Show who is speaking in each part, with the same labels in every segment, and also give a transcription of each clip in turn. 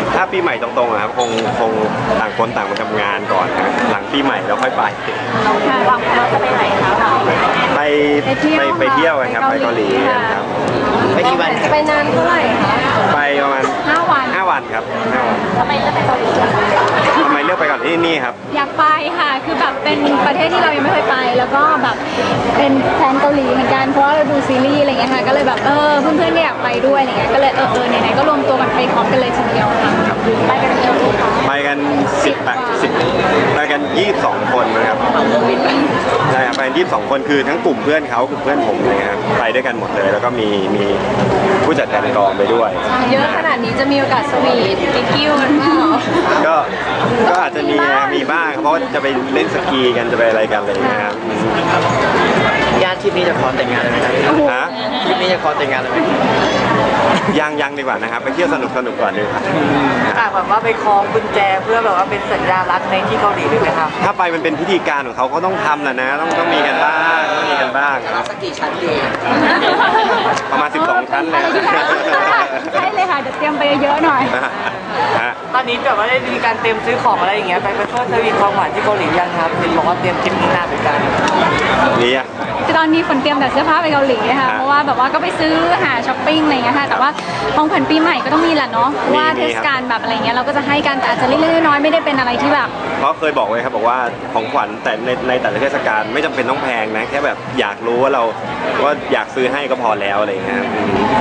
Speaker 1: ถ้าปีใหม่ตรงๆครับคงต่างคนต่างมาทำงานก่อนนะหลังปีใหม่แล้วค่อยไป
Speaker 2: วางแผนเราจะไปไหนคะ
Speaker 1: ไปเที่ยวกันครับไปเกาหลีครับ
Speaker 3: ไปกี่วัน
Speaker 2: ไปนานเท่าไหร่คะ
Speaker 1: ไปประมาณ5 วันครับ5 วัน
Speaker 2: ทำไมเลือกไปเกาหลี
Speaker 1: ทำไมเลือกไปก่อนที่นี่ครับ
Speaker 2: อยากไปค่ะคือแบบเป็นประเทศที่เรายังไม่เคยไปแล้วก็แบบเป็นแฟนเกาหลีเหมือนกันเพราะเราดูซีรีส์อะไรเงี้ยค่ะก็เลยแบบเพื่อนๆก็อยากไปด้วยอะไรเงี้ยก็เลยไหนๆก็รวมตัวกันไปพร้อมกันเลยทีเดียวค่ะไปกันเยอะไหมคะ
Speaker 1: ไปกัน10ไปกัน22 คนนะครับใช่ครับไปกัน22 คนคือทั้งกลุ่มเพื่อนเขากับเพื่อนผมเลยครับไปด้วยกันหมดเลยแล้วก็มีผู้จัดการกองไปด้วย
Speaker 2: เยอะขนาดนี้จะมีโอกาสสวีทกิ๊กกิ้วกันเปล่า
Speaker 1: ก็อาจจะมีบ้างเพราะว่าจะไปเล่นสกีกันจะไปอะไรกันอะไรอย่างเงี้ยครับ
Speaker 3: ญาติทริปนี้จะขอแต่งงานเลยไหมครับทริปนี้จะขอแต่งงานเลยไหม
Speaker 1: ยังดีกว่านะครับไปเที่ยวสนุกก่อนดีกว่า
Speaker 4: แบบว่าไปคล้องกุญแจเพื่อแบบว่าเป็นสัญญารักในที่เกาหลีเลยไหมครับ
Speaker 1: ถ้าไปมันเป็นพิธีการของเขาต้องทำแหละนะต้องมีกันบ้าง
Speaker 3: จะสักกี่ชั้นดี
Speaker 1: ประมาณ12 ชั้นเลย
Speaker 2: ใช่เลยค่ะเดี๋ยวเตรียมไปเยอะหน่อย
Speaker 4: ตอนนี้แบบว่าได้มีการเตรียมซื้อของอะไรอย่างเงี้ยไปเพื่อสวีทความหวานที่เกาหลียังครับเห็นบอกว่าเตรียมทริปนี้นานเหมือนกัน
Speaker 1: นี่อ่ะ
Speaker 2: ตอนนี้ฝนเตรียมแต่เสื้อผ้าไปเกาหลีค่ะเพราะว่าแบบว่าก็ไปซื้อหาช้อปปิ้งอะไรเงี้ยค่ะแต่ว่าของขวัญปีใหม่ก็ต้องมีแหละเนาะว่าเทศกาลแบบอะไรเงี้ยเราก็จะให้กันแต่อาจจะเล็กๆน้อยๆไม่ได้เป็นอะไรที่แบบ
Speaker 1: เพราะเคยบอกไว้ครับบอกว่าของขวัญแต่ในแต่ละเทศกาลไม่จำเป็นต้องแพงนะแค่แบบอยากรู้ว่าเราอยากซื้อให้ก็พอแล้วอะไรเงี้ย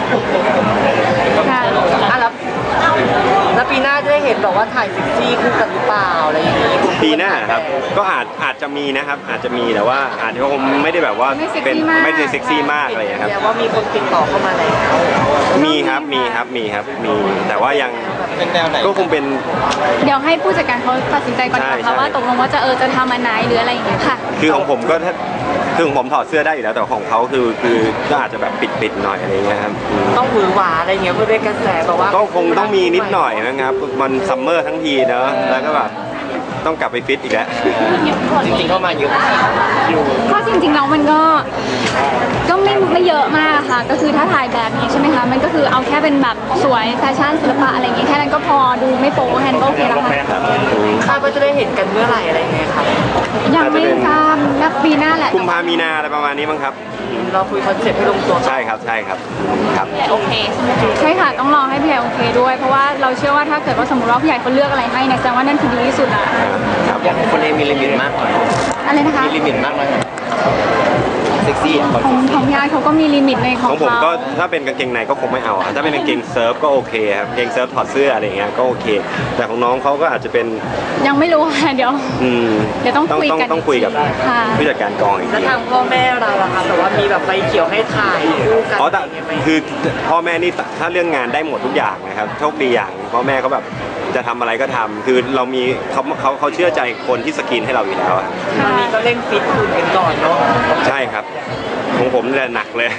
Speaker 4: แล้วปีหน้าจะได้เห็นแบบว่าถ่ายซิกซี่คู่กันหรือเปล่าอะไรอย่างนี้
Speaker 1: ปีหน้าครับก็อาจจะมีนะครับอาจจะมีแต่ว่าอาจจะคงไม่ได้แบบว่าเป็นไม่ได้เซ็กซี่มากอะไรครับ
Speaker 4: แต่ว่ามีคนติดต่อเข้ามาแล้ว
Speaker 1: มีแต่ว่ายังก็คงเป็น
Speaker 2: เดี๋ยวให้ผู้จัดการเขาตัดสินใจก่อนค่ะว่าตกลงว่าจะทำอันไหนหรืออะไรอย่างเงี้ยค่ะ
Speaker 1: คือของผมก็คือของผมถอดเสื้อได้อยู่แล้วแต่ของเขาคือก็อาจจะแบบปิดหน่อยอะไรเงี้ยครับ
Speaker 4: ต้องหวือหวาอะไรเงี้ยเพื่อได้กระแสแบบว่า
Speaker 1: ก็คงต้องมีนิดหน่อยนะครับมันซัมเมอร์ทั้งทีเนอะแล้วก็แบบต้องกลับไปฟิตอีกแล้ว
Speaker 3: จริงๆเข้ามาเยอะอยู่
Speaker 2: ก็จริงๆแล้วมันก็ไม่เยอะมากค่ะก็คือถ้าถ่ายแบบนี้ใช่ไหมคะมันก็คือเอาแค่เป็นแบบสวยแฟชั่นศิลปะอะไรอย่างเงี้ยแค่นั้นก็พอดูไม่โป๊แค่นั้นก็โอเคแล้วค่ะ
Speaker 4: คาดว่าจะได้เห็นกันเมื่อไหร่อะไรเงี้ยครับ
Speaker 2: ยังไม่ทราบนักปีหน้าแหละ
Speaker 1: กุมภามีนาอะไรประมาณนี้มั้งครับ
Speaker 4: เราคุยคอนเซ็ปต์ให้ลงตัว
Speaker 1: ใช่ครับ
Speaker 2: โอเคใช่ค่ะต้องรอให้พี่โอเคด้วยเพราะว่าเราเชื่อว่าถ้าเกิดว่าสมมติว่าผู้ใหญ่เขาเลือกอะไรให้เนี่ยแสดงว่านั่นคือดีที่สุดละ
Speaker 3: อย่างคนเองมีลิมิตมาก
Speaker 2: อะไรนะคะ
Speaker 3: มีลิมิตมากไหมเซ็กซี่
Speaker 2: ของยายเขาก็มีลิมิตในของ
Speaker 1: ผมก็ถ้าเป็นกางเกงในก็คงไม่เอาถ้าเป็นกางเกงเซิร์ฟก็โอเคครับกางเกงเซิร์ฟถอดเสื้ออะไรเงี้ยก็โอเคแต่ของน้องเขาก็อาจจะเป็น
Speaker 2: ยังไม่รู้ค่ะเดี๋ยวต้องคุยกัน
Speaker 1: ต้องคุยกับผู้จัดการกองอีกที
Speaker 4: แล้วทางพ่อแม่เราล่ะคะแต่ว่ามีแบบไฟเขียวให้ถ่ายคู่กัน
Speaker 1: แต่คือพ่อแม่นี่ถ้าเรื่องงานได้หมดทุกอย่างนะครับโชคดีอย่างพ่อแม่เขาแบบจะทำอะไรก็ทำคือเรามีเขาเชื่อใจคนที่สกรีนให้เราอยู่แล้ว
Speaker 4: ตอนนี้ก็เร่งฟิตหุ่นกันก่อนเนาะ
Speaker 1: ใช่ครับของผมเนี่ยหนักเลย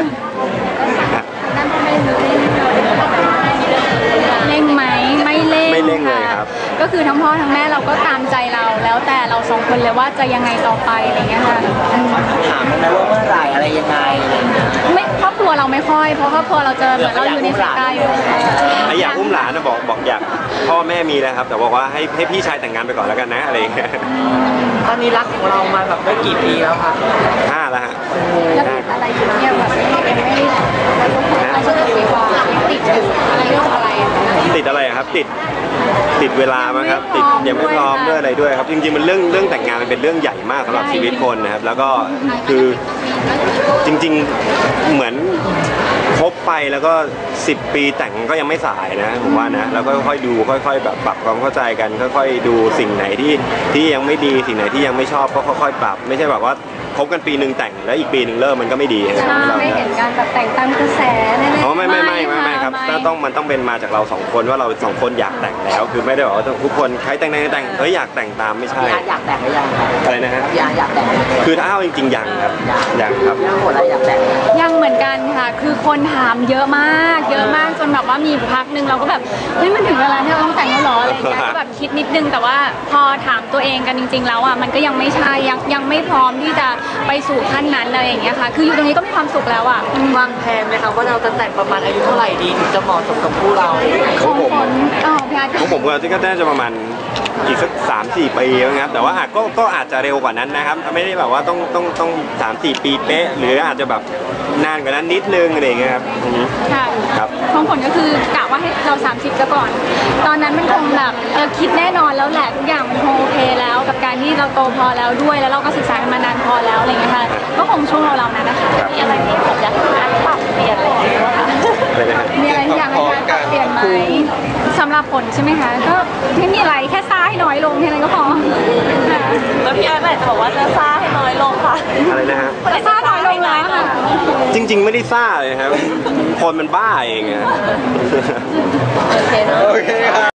Speaker 2: เร่งไหมไม่เร่
Speaker 1: งเลยครับ
Speaker 2: ก็คือทั้งพ่อทั้งแม่เราก็ตามใจเราแล้วแต่เราสองคนเลยว่าจะยังไงต่อไปอะไรเงี้ยค่ะ
Speaker 3: ถามไหมว่าเมื่อไหร่อะไรยังไง
Speaker 2: ไม่ครอบครัวเราไม่ค่อยเพราะครอบครัวเราเจอเหมือนเราอยู่ในสายตาอยู่
Speaker 1: อยากอุ้มหลานนะบอกอยากพ่อแม่มีแล้วครับแต่บอกว่าให้พี่ชายแต่งงานไปก่อนแล้วกันนะอะไรเงี้ย
Speaker 4: ตอนนี้รักของเรามาแบบได้กี่ปีแล้วครับ
Speaker 1: 5แล้วฮะ
Speaker 2: แล้วติดอะไรอยู่เนี่ยแบบไม่ใช่ติดว่าติดอยู่อะไรเรื่องอะไร
Speaker 1: ติดอะไรครับติดเวลามั้งครับติดยังไม่พร้อมด้วยอะไรด้วยครับจริงๆมันเรื่องแต่งงานมันเป็นเรื่องใหญ่มากสำหรับชีวิตคนนะครับแล้วก็คือจริงๆเหมือนคบไปแล้วก็10 ปีแต่งก็ยังไม่สายนะผมว่านะแล้วก็ค่อยๆดูค่อยๆแบบปรับความเข้าใจกันค่อยๆดูสิ่งไหนที่ยังไม่ดีสิ่งไหนที่ยังไม่ชอบก็ค่อยๆปรับไม่ใช่แบบว่าคบกันปีหนึ่งแต่งแล้วอีกปีหนึ่งเลิกมันก็ไม่ดี
Speaker 2: ไม่เห็นการแบบแต่งตามกระแสแน่ๆ
Speaker 1: ไม่ครับมันต้องเป็นมาจากเรา2 คนว่าเรา2 คนอยากแต่งแล้วคือไม่ได้บอกว่าทุกคนใครแต่งอยากแต่งตามไม่ใช่
Speaker 4: อยากแต่งหรือยัง
Speaker 1: อะไรนะฮะ
Speaker 4: อยากแต่ง
Speaker 1: คือถ้าเอาจริงๆยังครับยังครับ
Speaker 4: ยังหมดอะไรอยากแต่ง
Speaker 2: ยังเหมือนกันค่ะคือคนถามเยอะมากจนแบบแบบว่ามีพักหนึ่งเราก็แบบเฮ้ยมันถึงเวลาที่เราต้องแต่งแล้วเหรออะไรอย่างเงี้ยก็แบบคิดนิดนึงแต่ว่าพอถามตัวเองกันจริง ๆ แล้วอ่ะมันก็ยังไม่ใช่ยังไม่พร้อมที่จะไปสู่ขั้นนั้นอะไรอย่างเงี้ยค่ะคืออยู่ตรงนี้ก็มีความสุขแล้วอ่ะ
Speaker 4: วางแผนไหมครับว่าเราจะแต่งประมาณอายุเท่าไหร่ดีถึงจะเหมาะสมกับคู่เรา
Speaker 2: ของฝนพี่อาร์ต
Speaker 1: ของผมก็น่าจะประมาณอีกสัก3-4 ปีนะครับแต่ว่าก็อาจจะเร็วกว่านั้นนะครับไม่ได้แบบว่าต้อง3-4 ปีเป๊ะหรืออาจจะแบบนานกว่านั้นนิดนึงอะไรอย่างเงี้ยครับ
Speaker 2: ค่ะ
Speaker 1: ครับ
Speaker 2: ของผลก็คือกะว่าให้เรา30ซะก่อน ตอนนั้นมันคงแบบคิดแน่นอนแล้วแหละทุกอย่างมันคงโอเคแล้วกับการที่เราโตพอแล้วด้วยแล้วเราก็ศึกษากันมานานพอแล้วอะไรอย่างเงี้ยค่ะก็คงช่วงเรานั้นนะคะมีอะไรที่ผมอยากปรับเปลี่ยนอะไรอย่างเงี้ยค่ะ
Speaker 1: อะไรนะครับ
Speaker 2: มีอะไรที่อยากให้การปรับเปลี่ยนไหมสำหรับผลใช่ไหมคะก็ไม่มีอะไรแค่ซ่าให้น้อยลงแค่นั้นก็พอค่ะ
Speaker 5: แล้วพี่อาร์ตจะบอกว่าจะซ่าให้น้อยลงค่ะ
Speaker 1: อะไรนะฮะ
Speaker 2: ซ่าน้อยลงแล้วค่ะ
Speaker 1: จริง ๆ ไม่ได้ซ่าเลยครับคนมันบ้าเองอะ
Speaker 5: โอเคเนอะ
Speaker 1: โอเคครับ